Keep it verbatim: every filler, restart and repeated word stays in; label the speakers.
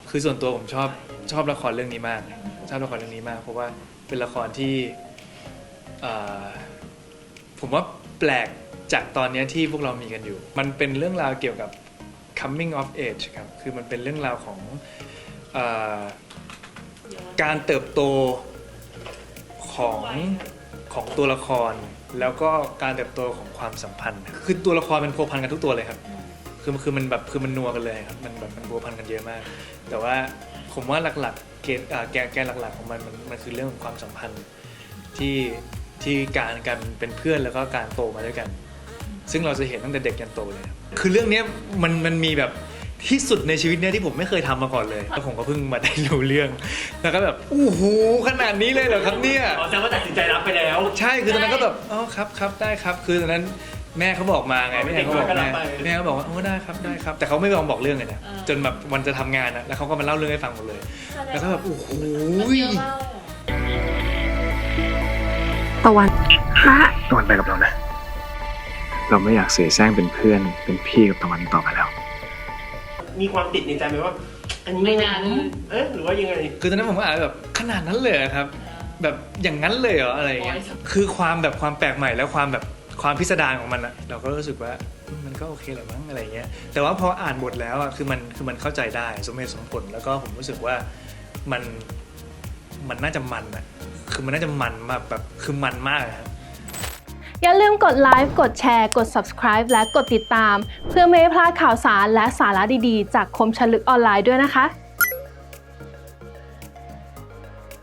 Speaker 1: คือส่วนตัวผมชอบชอบละครเรื่องนี้มากชอบละครเรื่องนี้มากเพราะว่าเป็นละครที่ผมว่าแปลกจากตอนนี้ที่พวกเรามีกันอยู่มันเป็นเรื่องราวเกี่ยวกับ coming of age ครับคือมันเป็นเรื่องราวของเอ่อการเติบโตของของตัวละครแล้วก็การเติบโตของความสัมพันธ์คือตัวละครมันพัวพันกันทุกตัวเลยครับคือคือมันแบบคือมันนัวกันเลยครับมันแบบมันพัวพันกันเยอะมากแต่ว่าผมว่าหลักๆเกณฑ์แกนแกนหลักๆของมันมันมันคือเรื่องของความสัมพันธ์ที่ที่การการเป็นเพื่อนแล้วก็การโตมาด้วยกันซึ่งเราจะเห็นตั้งแต่เด็กยันโตเลยคือเรื่องนี้มันมันมีแบบที่สุดในชีวิตเนี่ยที่ผมไม่เคยทำมาก่อนเลยแล้วผมก็เพิ่งมาได้รู้เรื่องแล้วก็แบบอู้หูขนาดนี้เลยเหรอครับเนี่ย
Speaker 2: อ๋อแสดงว่าตัดสินใจรับไปแล้ว
Speaker 1: ใช่คือตอนนั้นก็แบบอ๋อครับครับได้ครับคือตอนนั้นแม่เขาบอกมาไงแม่เขาบอกแม่แม่เขาบอกว่าโอ้ได้ครับได้ครับแต่เขาไม่ยอมบอกเรื่องเลยนะจนแบบวันจะทำงานนะแล้วเขาก็มาเล่าเรื่องให้ฟังหมดเลยแล้วก็แบบโอ้โห
Speaker 3: ตะวันฮะ
Speaker 4: ตะวันไปกับเรานะเราไม่อยากเสียแซงเป็นเพื่อนเป็นพี่กับตะวันต่อไปแล้ว
Speaker 2: มีความติดในใจไหมว่าอันนี้
Speaker 5: ไม่นาน
Speaker 2: เอ๊ะหรือว่ายังไง
Speaker 1: คือตอนนั้นผมก็อ่านแบบขนาดนั้นเลยครับแบบอย่างนั้นเลยเหรออะไรอย่างเงี้ยคือความแบบความแปลกใหม่แล้วความแบบความพิสดารของมันอะเราก็รู้สึกว่ามันก็โอเคแหละมั้งอะไรเงี้ยแต่ว่าพออ่านบทแล้วอะคือมันคือมันเข้าใจได้สมเหตุสมผลแล้วก็ผมรู้สึกว่ามันมันน่าจะมันอะคือมันน่าจะมันมากแบบคือมันมากครับ
Speaker 3: อย่าลืมกดไลค์กดแชร์กด Subscribe และกดติดตามเพื่อไม่ให้พลาดข่าวสารและสาระดีๆจากคมฉลึกออนไลน์ด้วยนะคะ